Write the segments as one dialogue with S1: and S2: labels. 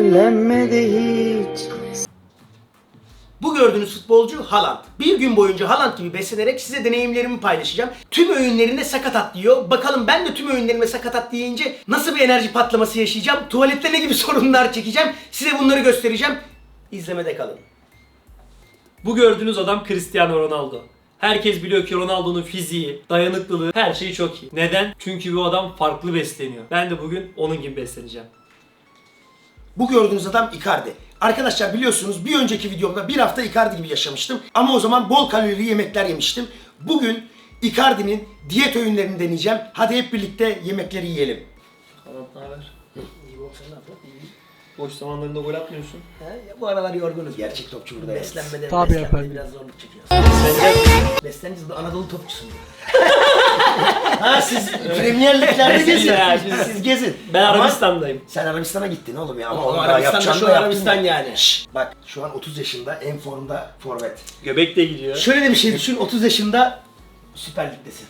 S1: Ellenmedi hiç.
S2: Bu gördüğünüz futbolcu Haaland. Bir gün boyunca Haaland gibi beslenerek size deneyimlerimi paylaşacağım. Tüm öğünlerinde sakatat yiyor. Bakalım ben de tüm öğünlerime sakatat yiyince nasıl bir enerji patlaması yaşayacağım? Tuvalette ne gibi sorunlar çekeceğim? Size bunları göstereceğim. İzlemede kalın.
S3: Bu gördüğünüz adam Cristiano Ronaldo. Herkes biliyor ki Ronaldo'nun fiziği, dayanıklılığı, her şeyi çok iyi. Neden? Çünkü bu adam farklı besleniyor. Ben de bugün onun gibi besleneceğim.
S2: Bu gördüğünüz adam Icardi. Arkadaşlar biliyorsunuz bir önceki videomda bir hafta Icardi gibi yaşamıştım. Ama o zaman bol kalorili yemekler yemiştim. Bugün Icardi'nin diyet öğünlerini deneyeceğim. Hadi hep birlikte yemekleri yiyelim.
S3: Haaland ne haber? İyi bak sen ne yapıyorsun? İyi. Boş zamanlarında gol atmıyorsun.
S2: Bu aralar yorgunuz gerçek topçu burada. Beslenmede,
S4: Tabii
S2: beslenmede
S4: efendim.
S2: biraz zorluk çekiyoruz. Besleneceğiz, Anadolu topçusun. Ha siz Premier Lig'lerde gezin. Siz gezin.
S3: Ben
S2: Ama
S3: Arabistan'dayım.
S2: sen Arabistan'a gittin oğlum ya. Ama
S3: Oğlum,
S2: onu daha
S3: Arabistan'da
S2: yapacağını
S3: şu
S2: da yaptın
S3: Arabistan
S2: ya.
S3: yani.
S2: Bak şu an 30 yaşında en formda forvet.
S3: Göbek de gidiyor.
S2: Şöyle de bir şey düşün, 30 yaşında Süper Lig'desin.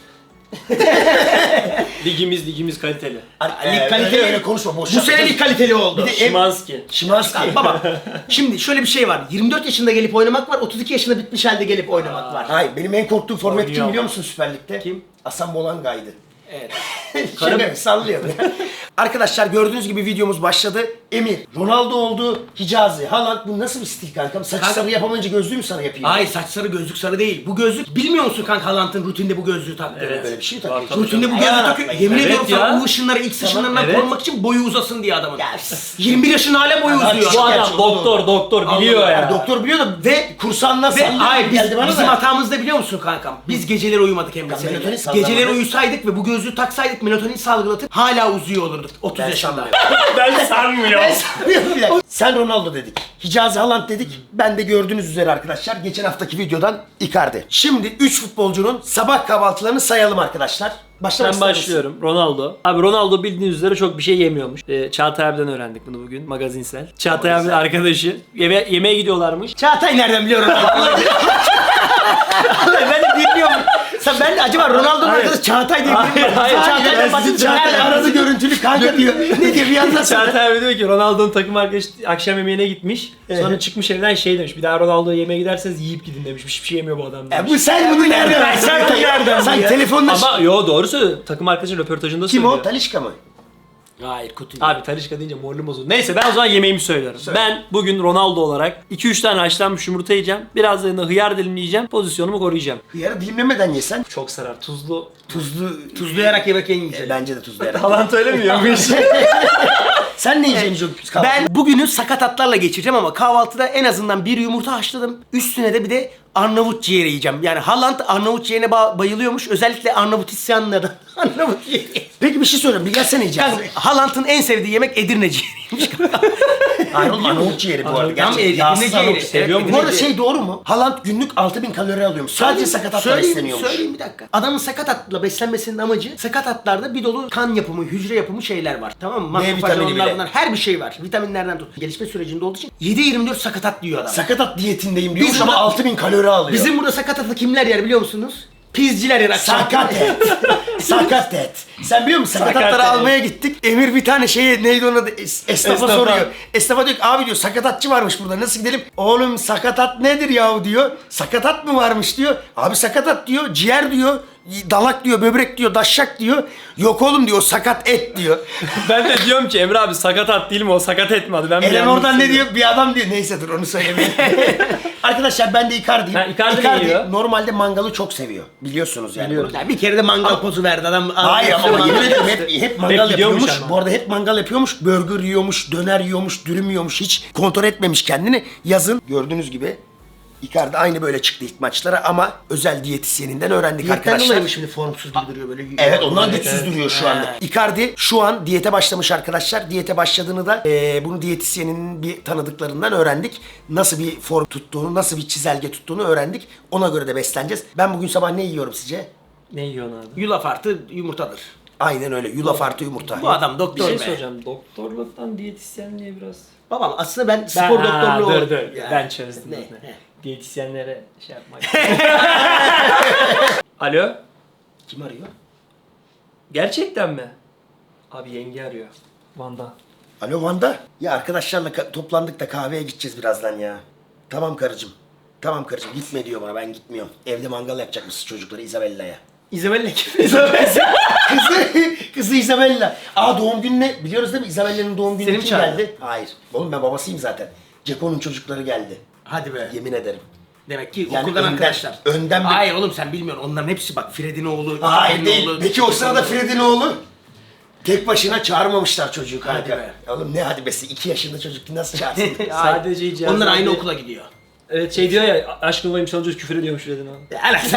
S3: Ligimiz kaliteli.
S2: Lig kaliteli öyle konuşma boş. Bu sene lig kaliteli oldu. Bir de
S3: Şimanski.
S2: Şimanski. Baba şimdi şöyle bir şey var. 24 yaşında gelip oynamak var, 32 yaşında bitmiş halde gelip oynamak var. Hayır benim en korktuğum forvet kim
S3: Oynuyor.
S2: biliyor musun Süper Lig'de?
S3: Kim?
S2: Hasan Bolanga'ydı.
S3: Evet.
S2: Şaka sallıyor. Arkadaşlar gördüğünüz gibi videomuz başladı. Emir, Ronaldo oldu, Hicazi, Haaland bu nasıl bir stil kankam? Saç sarı yapamayınca gözlüğü mü sana yapayım?
S5: Hayır saç sarı gözlük sarı değil. Bu gözlük bilmiyor musun kanka Haaland'ın rutinde bu gözlüğü taktığını?
S3: Evet.
S2: Böyle bir şey
S3: Var,
S2: tabii.
S3: tabii.
S5: Rutinde bu
S2: Yalan
S5: gözlüğü
S2: atmayın.
S5: takıyor. Yemin
S3: Evet
S5: ediyorum
S3: ya.
S5: sana U ışınları X ışınlarından
S3: Evet.
S5: korunmak için boyu uzasın diye adamın.
S2: Ya,
S5: 21 yaşında hala boyu
S2: Adam
S5: uzuyor.
S3: Bu adam
S2: Gerçi
S3: doktor biliyor
S2: Allah,
S3: ya.
S2: doktor biliyor da ve kursanla
S5: Ve
S2: sallıyor.
S5: hayır
S2: geldi bana
S5: bizim
S2: da.
S5: hatamız da biliyor musun kankam? Biz geceleri uyumadık Emre
S2: Ya, melatonin
S5: seninle.
S2: sallamadı.
S5: Geceleri uyusaydık ve bu gözlüğü taksaydık melatonin salgılatıp hala uzuyor olurduk 30
S2: Ben
S5: yaşında.
S2: sanmıyorum.
S3: Ben sanmıyorum.
S2: Bir dakika. Sen Ronaldo dedik. Hicazi Haaland dedik. Ben de gördüğünüz üzere arkadaşlar geçen haftaki videodan Icardi. Şimdi 3 futbolcunun sabah kahvaltılarını sayalım arkadaşlar. Başlamak
S3: Ben
S2: ister misin?
S3: başlıyorum. Ronaldo. Abi Ronaldo bildiğiniz üzere çok bir şey yemiyormuş. Çağatay abiden öğrendik bunu bugün. Magazinsel. Çağatay abinin arkadaşı. Yemeğe gidiyorlarmış.
S2: Çağatay nereden biliyor Ronaldo'yu? Ben de bilmiyorum. Ben de acaba Ronaldo'nun
S3: Hayır.
S2: arkadaşı Çağatay diye bilmiyorum.
S3: Hayır.
S2: Çağatay'dan
S3: Ben
S2: bakın
S3: sizin
S2: Çağatay
S3: Çağatay-
S2: aradı görüntülü kanka diyor. Ne diyor bir anlatsana.
S3: Çağatay abi diyor ki Ronaldo'nun takım arkadaşı akşam yemeğine gitmiş. Sonra çıkmış evden şey demiş. Bir daha Ronaldo'ya yemeğe giderseniz yiyip gidin demiş. Hiçbir şey yemiyor bu adam demiş.
S2: Bu sen bunu nereden? Sen nereden? Sen telefonla...
S3: Ama yo doğru söylüyor. Takım arkadaşı röportajında
S2: Kim
S3: söylüyor.
S2: o? Talişka mı?
S5: Hayır kutu.
S3: Abi Talişka deyince moralim bozuldu. Neyse ben o zaman yemeğimi söylüyorum. Ben bugün Ronaldo olarak 2-3 tane haşlanmış yumurta yiyeceğim. Biraz da hıyar dilimleyeceğim. Pozisyonumu koruyacağım.
S2: Hıyarı dilimlemeden yesen.
S3: Çok sarar. Tuzlu.
S5: Tuzlayarak yemek en güzeli.
S2: Bence de tuzlayarak.
S3: Haaland öyle mi yiyormuş?
S2: Sen ne yiyeceksin çok
S5: Ben bugünü sakatatlarla geçireceğim ama kahvaltıda en azından bir yumurta haşladım. Üstüne de bir de Arnavut ciğeri yiyeceğim. Yani Haaland Arnavut ciğerine bayılıyormuş. Özellikle Arnavut isyanlardan. Arnavut ciğeri.
S2: Peki bir şey söyleyeyim. Bir gelsene yiyeceğiz.
S5: Kanka, Haaland'ın en sevdiği yemek Edirne ciğeriymiş.
S2: Hayır oğlum Arnavut ciğeri bu arada.
S3: Arnavut-
S2: Gerçekten
S5: Edirne
S2: yağsız
S5: ciğeri.
S2: Arnavut.
S5: Evet,
S3: Seviyor mu?
S2: Bu arada şey doğru mu? Haaland günlük 6000 kalori alıyormuş. Sadece sakatatla besleniyormuş.
S5: Söyleyeyim bir dakika. Adamın sakatatla beslenmesinin amacı sakatatlarda bir dolu kan yapımı, hücre yapımı şeyler var. Tamam mı?
S2: D
S5: Makrofaj,
S2: vitamini
S5: onlar
S2: bile.
S5: bunlar. Her bir şey var. Vitaminlerden tut. Gelişme sürecinde olduğu için 7-24 sakatat diyor adam.
S2: Sakatat diyetindeyim diyormuş
S5: Biz
S2: ama
S5: burada-
S2: 6000 kalori alıyor.
S5: Bizim burada sakatatı kimler yer biliyor musunuz? Pizciler yer akşam.
S2: Sakat et. Sakat et. Sen biliyor musun? Sakatatları
S3: Sakat et.
S2: almaya gittik. Emir bir tane neydi onun adı? Esnafa
S3: Esnafa.
S2: soruyor. Esnafa diyor ki abi diyor sakatatçı varmış burada nasıl gidelim? Oğlum sakatat nedir yahu diyor. Sakatat mı varmış diyor. Abi sakatat diyor. Ciğer diyor. Dalak diyor, böbrek diyor, daşşak diyor. Yok oğlum diyor, sakat et diyor.
S3: Ben de diyorum ki Emre abi sakat at değil mi o sakat etmedi. Ben
S2: Eren oradan ne diyor? Bir adam diyor. Neyse dur onu söylemeyeyim. Arkadaşlar ben de Icardi'yim.
S3: Ha, Icardi ne yiyor?
S2: normalde mangalı çok seviyor. Biliyorsunuz yani.
S3: Biliyorum.
S5: Ya bir kere de mangal pozu verdi adam.
S2: Hayır ama yemin ederim hep mangal
S3: Hep gidiyormuş
S2: yapıyormuş.
S3: ama.
S2: Bu arada hep mangal yapıyormuş. Burger yiyormuş, döner yiyormuş, dürüm yiyormuş. Hiç kontrol etmemiş kendini. Yazın gördüğünüz gibi Icardi aynı böyle çıktı ilk maçlara ama özel diyetisyeninden öğrendik
S5: Diyetten
S2: arkadaşlar.
S5: dolayı mı şimdi formsuz gibi duruyor böyle?
S2: Evet ondan
S3: Evet,
S2: güçsüz
S3: evet.
S2: duruyor şu anda. Icardi şu an diyete başlamış arkadaşlar. Diyete başladığını da bunu diyetisyenin bir tanıdıklarından öğrendik. Nasıl bir form tuttuğunu, nasıl bir çizelge tuttuğunu öğrendik. Ona göre de besleneceğiz. Ben bugün sabah ne yiyorum sizce?
S3: Ne yiyorsun abi?
S5: Yulaf artı yumurtadır.
S2: Aynen öyle. Yulaf artı yumurta.
S5: Bu adam
S3: Bir
S5: doktor
S3: şey
S5: be.
S3: soracağım. Doktorluktan diyetisyenliğe biraz...
S5: Babam aslında ben spor doktorluğu
S3: dur
S5: oldum.
S3: dur.
S5: Ya.
S3: Ben çözdüm.
S5: Ne?
S3: Ne? Diyetisyenlere şey yapmak. Alo?
S5: Kim arıyor?
S3: Gerçekten mi? Abi yenge arıyor. Van'da.
S5: Alo Vanda. Ya arkadaşlarla toplandık da kahveye gideceğiz birazdan ya. Tamam karıcığım. Tamam karıcığım gitme diyor bana, ben gitmiyorum. Evde mangal yapacakmışız çocukları Isabella'ya.
S2: Isabella kim? Isabella.
S5: Kızı Isabella. Aa doğum gününe biliyoruz değil mi? Isabella'nın doğum günü
S2: Seni mi
S5: kim
S2: çağırdı?
S5: geldi? Hayır. Oğlum ben babasıyım zaten. Ceko'nun çocukları geldi.
S2: Hadi be.
S5: Yemin ederim.
S2: Demek ki
S5: Yani
S2: okuldan
S5: önden-
S2: arkadaşlar.
S5: önden bir-
S2: Hayır oğlum sen bilmiyorsun. Onların hepsi bak Fred'in oğlu.
S5: Hayır
S2: Fred'in
S5: değil.
S2: oğlu.
S5: Peki o sırada Fred'in oğlu? Tek başına çağırmamışlar çocuğu kanka.
S2: Hadi be.
S5: Oğlum ne hadi besi? 2 yaşında çocuk nasıl çağırsın?
S3: Sadece icazı
S2: Onlar aynı
S3: abi-
S2: okula gidiyor.
S3: Evet şey diyor ya, aşkın olayım çalınca küfür ediyormuş dedin abi.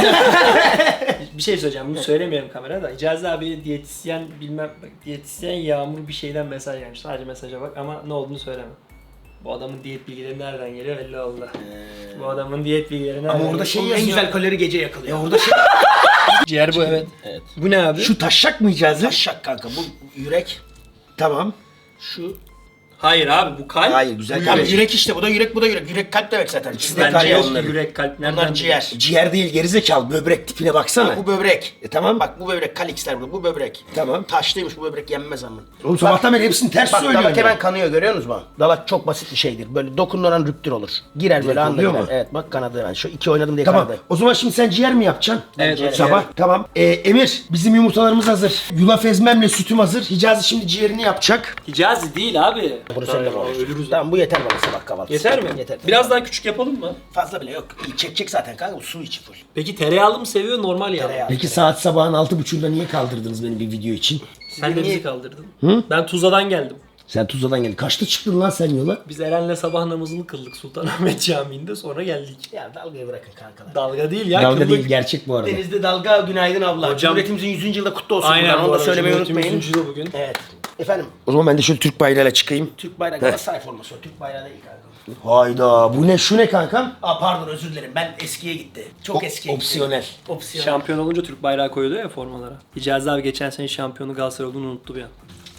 S3: Bir şey söyleyeceğim, bunu söylemiyorum kamerada. Hicazi abi diyetisyen bilmem, bak, diyetisyen Yağmur bir şeyden mesaj gelmiş. Sadece mesaja bak ama ne olduğunu söyleme. Bu adamın diyet bilgileri nereden geliyor belli oldu. Bu adamın diyet bilgileri nereden
S5: Ama orada
S3: geliyor?
S5: şey
S2: En
S5: yazıyor.
S2: güzel kalori gece yakılıyor.
S5: Ya orada şey...
S3: Ciğer bu evet. Bu ne abi?
S5: Şu taşşak mı Hicazi? Taşşak kanka bu yürek. Tamam.
S2: Şu
S3: Hayır abi bu kalp.
S5: Hayır güzel
S2: bu
S5: kalp.
S2: yürek işte, bu da yürek, bu da yürek. Yürek kalp demek zaten. İkisi de
S3: Ben
S2: kalp.
S3: ciğer,
S5: onların.
S3: yürek, kalp nereden?
S2: Onlar ciğer.
S5: Ciğer değil gerizekalı böbrek tipine baksana.
S2: Bu böbrek.
S5: Tamam.
S2: Bak bu böbrek, Kalix'ler bu böbrek.
S5: Tamam.
S2: Taşlıymış, bu böbrek yenmez ama.
S5: Oğlum sabahtan beri hepsini ters
S2: Bak
S5: söylüyorsun
S2: dalak
S5: ya.
S2: hemen kanıyor, görüyor musunuz bak? Dalak çok basit bir şeydir. Böyle dokunulan rüptür olur. Girer böyle anda
S5: oluyor
S2: girer.
S5: mu?
S2: Evet bak kanadı hemen. Şu iki oynadım diye
S5: Tamam.
S2: kanadı.
S5: O zaman şimdi sen ciğer mi yapacaksın?
S3: Evet,
S2: ciğer-
S5: Sabah. Tamam. Emir bizim yumurtalarımız hazır. Yulaf ezmemle sütüm hazır. Hicazi şimdi ciğerini yapacak.
S3: Hicazi değil abi.
S2: Bunu sen de
S3: Aa,
S2: konuş.
S3: ölürüz.
S2: Tamam bu yeter bana sabah kahvaltısı.
S3: Yeter mi?
S2: Yeter.
S3: Biraz daha küçük yapalım mı?
S2: Fazla bile yok. Çekecek zaten kanka, bu su içi full.
S3: Peki tereyağlı mı seviyor normal yağ?
S2: Tereyağı.
S5: Peki saat sabahın 6.30'da niye kaldırdınız beni bir video için?
S3: Sen de bizi kaldırdın. Ben Tuzla'dan geldim.
S5: Sen Tuzla'dan geldin. Kaçta çıktın lan sen yola?
S3: Biz Eren'le sabah namazını kıldık Sultanahmet Camii'nde, sonra geldik.
S2: Ya dalgayı bırakın kankalar.
S3: Dalga değil ya,
S5: Dalga
S3: kıldık.
S5: değil gerçek bu arada.
S2: Denizde dalga, günaydın abla.
S3: Hocam-
S2: Cumhuriyetimizin 100. yılı kutlu olsun.
S3: Aynen
S2: buradan.
S3: bu
S2: Onu da
S3: arada
S2: söylemeyi
S3: Cumhuriyetimizin
S2: unutmayın.
S3: 100. yılı bugün.
S2: Evet. Efendim,
S5: O zaman ben de şöyle Türk bayrağıyla çıkayım.
S2: Türk bayrağı Galatasaray forması o. Türk bayrağı değil kanka.
S5: Hayda bu ne şu ne kankam?
S2: Aa pardon, özür dilerim. Ben eskiye gitti. Çok eskiye gitti.
S5: Opsiyonel.
S2: Opsiyon.
S3: Şampiyon olunca Türk bayrağı koyuluyor ya formalara. Hicazi abi geçen sene şampiyonu Galatasaray olduğunu unuttu bir an.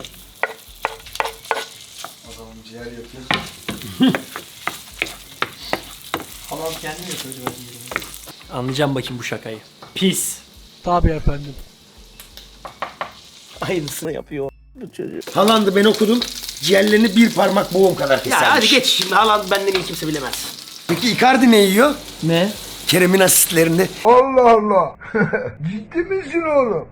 S4: Ciğer yapıyoruz.
S3: Halam kendim yapıyor. Anlayacağım bakayım bu şakayı. Pis.
S2: Aynısını yapıyor bu çocuk.
S5: Haaland'ı ben okudum. Ciğerlerini bir parmak boğum kadar kesermiş.
S2: Ya hadi geç şimdi. Haaland benden iyi kimse bilemez.
S5: Peki Icardi ne yiyor?
S3: Ne?
S5: Kerem'in asistlerini.
S4: Allah Allah. Ciddi misin oğlum?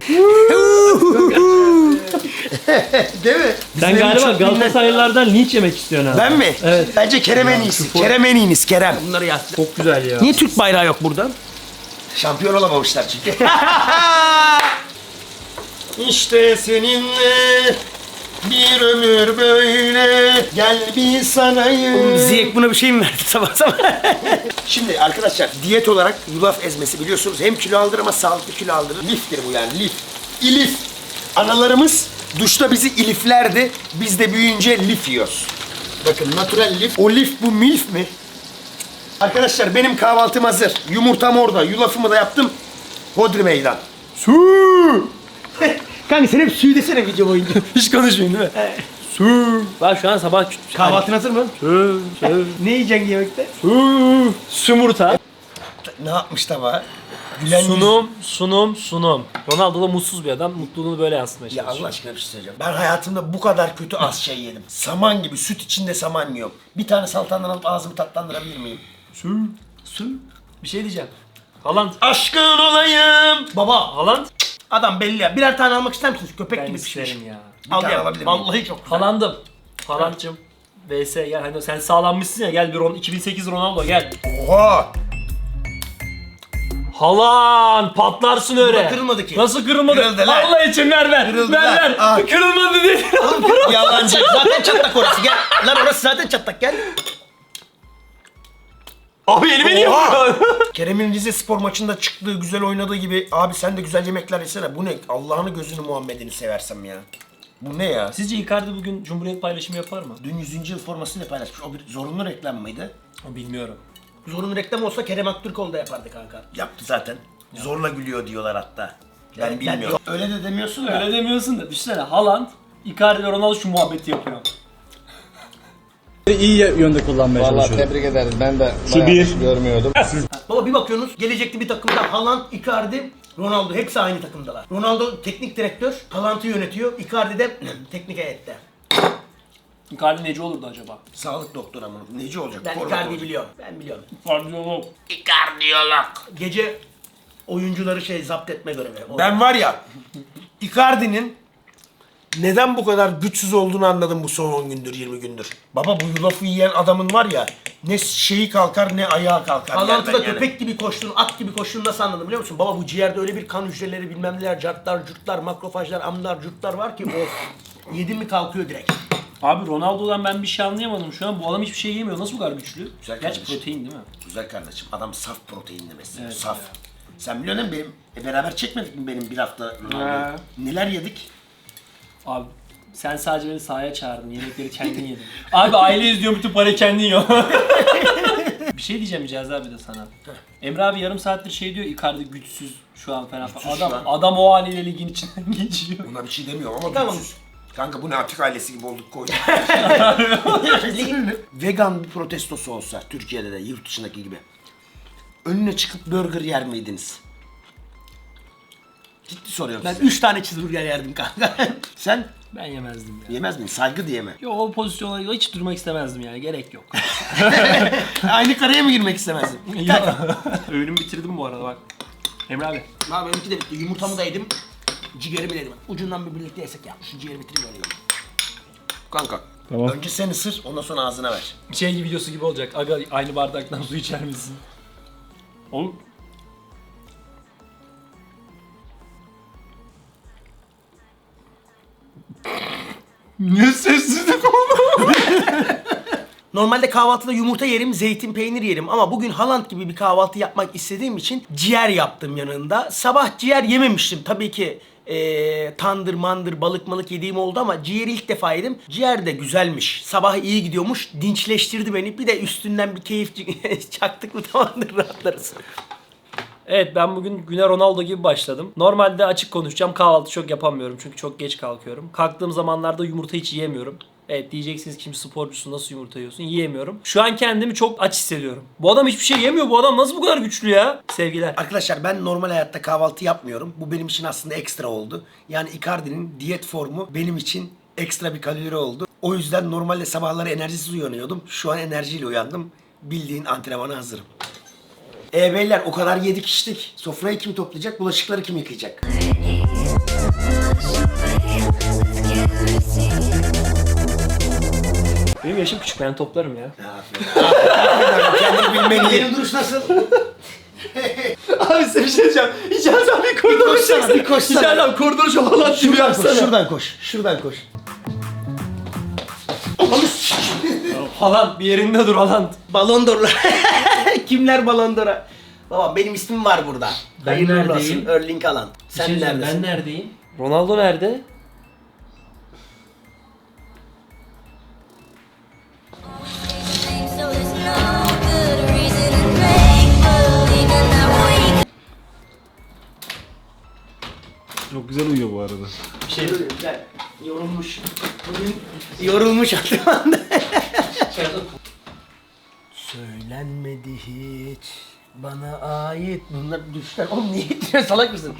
S5: Değil mi?
S3: Sen
S5: Bizim
S3: galiba
S5: çok bilinen-
S3: Galatasaraylılardan linç yemek istiyorsun abi.
S5: Ben mi?
S3: Evet.
S5: Bence Kerem en iyisi. Kerem en iyiniz Kerem.
S2: Bunları yaz.
S3: Çok güzel ya.
S2: Niye Türk bayrağı yok burada?
S5: Şampiyon olamamışlar çünkü. İşte seninle bir ömür böyle gel bir sarayım.
S2: Ziyek buna bir şey mi verdi sabah sabah?
S5: Şimdi arkadaşlar diyet olarak yulaf ezmesi biliyorsunuz hem kilo aldırır ama sağlıklı kilo aldırır. Liftir bu yani lif. İlif. Analarımız duşta bizi iliflerdi. Biz de büyüyünce lif yiyoruz. Bakın natural lif. O lif bu milf mi? Arkadaşlar benim kahvaltım hazır. Yumurtam orada. Yulafımı da yaptım. Hodri meydan. Su.
S2: Kanka sen hep suyu desene video boyunca.
S3: Hiç konuşmayın değil mi? Su. Bak şu an sabah
S2: Kahvaltın hazır mı?
S3: Su. Su.
S2: Ne yiyeceksin yemekte?
S3: Su. Sumurta.
S5: Ne yapmış tabağa? Gülen yüz-
S3: Sunum. Ronaldo da mutsuz bir adam. Mutluluğunu böyle yansıtmaya
S5: Ya
S3: çalışıyor.
S5: Allah aşkına bir şey söyleyeceğim. Ben hayatımda bu kadar kötü az şey yedim. Saman gibi süt içinde saman yiyorum. Bir tane saltandan alıp ağzımı tatlandırabilir miyim?
S3: Su. Bir şey diyeceğim. Haaland.
S5: Aşkın olayım.
S2: Baba,
S3: Haaland.
S2: adam belli ya. Birer tane almak ister misiniz? Köpek
S3: Ben
S2: gibi pişmiş.
S3: isterim ya.
S2: Al
S5: tane
S2: ya.
S5: alabilir miyim?
S2: Vallahi çok güzel.
S3: Haaland'ım. Haaland'cım. VS gel. Hani sen sağlanmışsın ya. Gel bir 2008 Ronaldo gel.
S5: Oha.
S3: Haaland patlarsın öyle.
S2: kırılmadı ki.
S3: Nasıl kırılmadı?
S5: Kırıldı lan.
S3: Allah için ver.
S5: Kırıldı
S3: ver
S5: lan.
S3: ver.
S5: Ah.
S3: Kırılmadı dedi.
S5: Yalancı.
S2: Zaten çatlak orası, gel. Lan orası zaten çatlak, gel.
S3: Abi elime niye
S5: Oha!
S3: vuruyorsun?
S5: Kerem'in Rize spor maçında çıktığı güzel oynadığı gibi abi sen de güzel yemekler yesene. Bu ne? Allah'ını gözünü Muhammed'ini seversem ya. Bu ne ya?
S3: Sizce Icardi bugün Cumhuriyet paylaşımı yapar mı?
S5: Dün 100. yıl formasını paylaşmış. O bir zorunlu reklam mıydı?
S3: Bilmiyorum.
S2: Zorunlu reklam olsa Kerem Aktürkoğlu da yapardı kanka.
S5: Yaptı zaten. Zorla gülüyor diyorlar hatta. Ben
S2: Ben-
S5: bilmiyorum. Öyle de demiyorsun da.
S3: Öyle demiyorsun da. Düşünsene Haaland, Icardi ve Ronaldo şu muhabbeti yapıyor.
S6: iyi yönde kullanmaya
S4: Vallahi
S6: çalışıyorum.
S4: tebrik ederiz. Ben de
S6: Şu
S4: bayağı
S6: bir.
S4: görmüyordum.
S2: Baba bir bakıyorsunuz gelecekte bir takımda Haaland, Icardi, Ronaldo hepsi aynı takımdalar. Ronaldo teknik direktör, Haaland'ı yönetiyor. Icardi de teknik heyette.
S3: Icardi neci olurdu acaba?
S5: Sağlık doktoru ama neci olacak?
S2: Ben
S5: Forvet
S2: Icardi'yi
S5: olacak.
S2: biliyorum. Ben biliyorum.
S3: Kardiyolog.
S2: Gece oyuncuları zapt etme görevi.
S5: Ben var ya, Icardi'nin neden bu kadar güçsüz olduğunu anladım bu son 10 gündür, 20 gündür. Baba bu yulafı yiyen adamın var ya, ne şeyi kalkar ne ayağı kalkar.
S2: Haaland'ı da
S5: yerden yani.
S2: köpek gibi koştun, at gibi koştun nasıl anladın biliyor musun? Baba bu ciğerde öyle bir kan hücreleri bilmem neler, cartlar, curtlar, makrofajlar, amlar, curtlar var ki of. Yedin mi kalkıyor direkt.
S3: Abi Ronaldo'dan ben bir şey anlayamadım şu an. Bu adam hiçbir şey yemiyor. Nasıl bu kadar güçlü?
S5: Güzel
S3: Gerçi
S5: kardeşim.
S3: protein değil mi?
S5: Güzel kardeşim, adam saf proteinli besliyor,
S3: Evet
S5: saf.
S3: ya.
S5: Sen biliyorsun değil mi beraber çekmedik mi benim bir hafta Ronaldo'yu? Neler yedik?
S3: Abi sen sadece beni sahaya çağırdın. Yemekleri kendin yedin. Abi aile izliyor, bütün parayı kendin yiyor. Bir şey diyeceğim Hicazi abi de sana. Emre abi yarım saattir şey diyor, Icardi güçsüz şu an falan.
S5: Güçsüz şu an.
S3: Adam o haliyle ligin içinden geçiyor.
S5: Ona bir şey demiyorum ama
S2: Tamam.
S5: güçsüz. Kanka bu ne Atik ailesi gibi olduk koyduk. Vegan bir protestosu olsa Türkiye'de de yurt dışındaki gibi. Önüne çıkıp burger yer miydiniz? Ciddi soruyorum
S2: Ben
S5: size.
S2: 3 tane cheeseburger yerdim kanka.
S5: Sen
S3: Ben yemezdim ya.
S5: yemez miydin? Saygı diye mi?
S3: Yo, o pozisyona hiç durmak istemezdim yani, gerek yok.
S5: Aynı karaya mı girmek istemezdin?
S3: Öğünümü bitirdim bu arada bak. Emre abi.
S2: Abi benimki de bitti. Yumurtamı da yedim. Ciğerimi de yedim. Ucundan bir birlikte yesek ya. Şu ciğeri bitireyim öyle yiyorum.
S5: Kanka. Önce sen ısır, ondan sonra ağzına ver.
S3: Şey videosu gibi olacak. Aga aynı bardaktan su içer misin? Oğlum. Niye sessizlik oldu?
S2: Normalde kahvaltıda yumurta yerim, zeytin, peynir yerim ama bugün Haaland gibi bir kahvaltı yapmak istediğim için ciğer yaptım yanında. Sabah ciğer yememiştim. Tabii ki tandır, mandır, balık yediğim oldu ama ciğeri ilk defa yedim. Ciğer de güzelmiş. Sabah iyi gidiyormuş. Dinçleştirdi beni. Bir de üstünden bir keyif çaktık mı tamamdır rahatlarız.
S3: Evet, ben bugün güne Ronaldo gibi başladım. Normalde açık konuşacağım, kahvaltı çok yapamıyorum çünkü çok geç kalkıyorum. Kalktığım zamanlarda yumurta hiç yiyemiyorum. Evet diyeceksiniz kim sporcusu nasıl yumurta yiyorsun? Yiyemiyorum. Şu an kendimi çok aç hissediyorum. Bu adam hiçbir şey yemiyor. Bu adam nasıl bu kadar güçlü ya? Sevgiler.
S5: Arkadaşlar ben normal hayatta kahvaltı yapmıyorum. Bu benim için aslında ekstra oldu. Yani Icardi'nin diyet formu benim için ekstra bir kalori oldu. O yüzden normalde sabahları enerjisiz uyanıyordum. Şu an enerjiyle uyandım. Bildiğin antrenmana hazırım. Beyler o kadar yedik içtik. Sofrayı kim toplayacak? Bulaşıkları kim yıkayacak?
S3: Benim yaşım küçük, ben toplarım ya.
S5: Kendini bilmeni
S2: Benim duruş nasıl?
S3: Abi size bir şey diyeceğim. Hicazi abi koridoru
S2: koşsana, bir koşsana.
S3: Hicazi abi koridoru şu Haaland gibi
S5: Şuradan koş,
S3: yapsana.
S5: şuradan koş. Şuradan koş.
S3: Haaland bir yerinde dur Haaland.
S2: Balon d'Or'lar. Kimler Balon d'Or'a? Baba benim ismim var burada.
S3: Ben
S2: Hayırlı uğurlu
S3: neredeyim?
S2: olsun. Erling Haaland. Sen neredesin?
S3: Ben neredeyim? Ronaldo nerede?
S6: So there's no good reason to make believe that we
S7: Çok güzel uyuyor bu arada.
S2: Bir şey güzel. Yorulmuş. Bugün yorulmuş antrenmanda. Söylenmedi hiç bana ait. Bunlar düşler. Oğlum niye gidiyor salak mısın?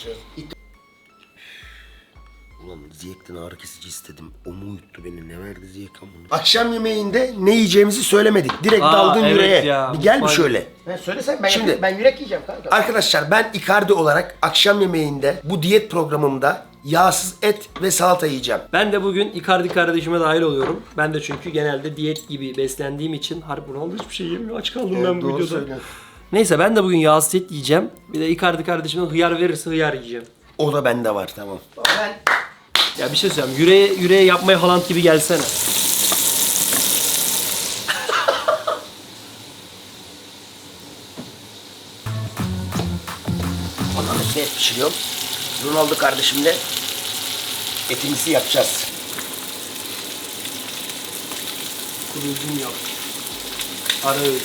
S5: Ulan Ziyek'ten ağrı kesici istedim. O mu uyuttu beni? Ne verdi Ziyek amına? Akşam yemeğinde ne yiyeceğimizi söylemedik. Direkt daldın
S3: evet
S5: yüreğe.
S3: ya,
S5: Bir gel bir
S3: mutfak-
S5: şöyle.
S2: Ben söylesem ben,
S5: Şimdi-
S2: ben yürek yiyeceğim kanka.
S5: Arkadaşlar ben Icardi olarak akşam yemeğinde bu diyet programımda yağsız et ve salata yiyeceğim.
S3: Ben de bugün Icardi kardeşime dahil oluyorum. Ben de çünkü genelde diyet gibi beslendiğim için harbi Ronaldo hiçbir şey yemiyor. Aç kaldım ben bu
S5: Doğru
S3: videoda.
S5: söylüyorsun.
S3: Neyse ben de bugün yağsız et yiyeceğim. Bir de Icardi kardeşime hıyar verirse hıyar yiyeceğim.
S5: O da bende var tamam.
S2: Ben
S3: Ya bir şey söyleyeyim. Yüreğe yapmaya Haaland gibi gelsene.
S5: Ondan üstüne et pişiriyorum. Ronaldo kardeşimle etimizi yapacağız.
S2: kurulduğum yok. Ara öğün.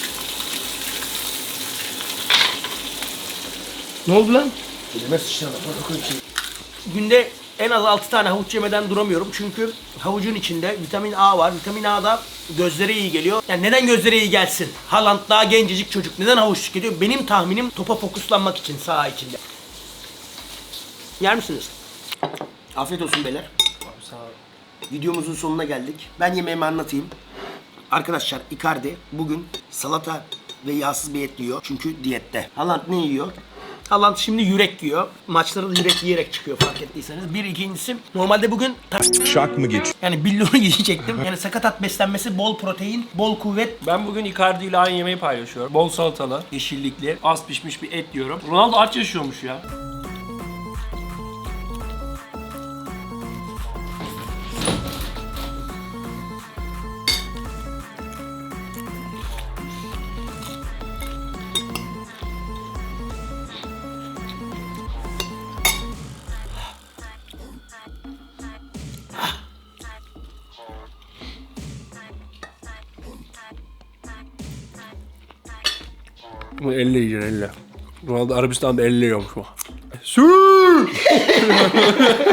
S3: Ne oldu lan?
S5: Elime sıçradı.
S2: Günde en az 6 tane havuç yemeden duramıyorum. Çünkü havucun içinde vitamin A var. Vitamin A da gözlere iyi geliyor. Yani neden gözlere iyi gelsin? Haaland daha gencecik çocuk. Neden havuç tüketiyor? Benim tahminim topa fokuslanmak için saha içinde. Yer misiniz?
S5: Afiyet olsun beyler.
S3: Sağ ol.
S5: videomuzun sonuna geldik. Ben yemeğimi anlatayım. Arkadaşlar Icardi bugün salata ve yağsız bir et yiyor. Çünkü diyette. Haaland ne yiyor?
S2: Haaland şimdi yürek yiyor. Maçlara da yürek yiyerek çıkıyor fark ettiyseniz. Bir ikincisi normalde bugün
S8: Şak mı geç?
S2: yani billuru yiyecektim. Yani sakatat beslenmesi, bol protein, bol kuvvet.
S3: Ben bugün Icardi ile aynı yemeği paylaşıyorum. Bol salatalı, yeşillikli, az pişmiş bir et yiyorum. Ronaldo aç yaşıyormuş ya.
S9: Bunu elle yiyeceksin elle. Ronaldo Arabistan'da elle yiyormuş bu.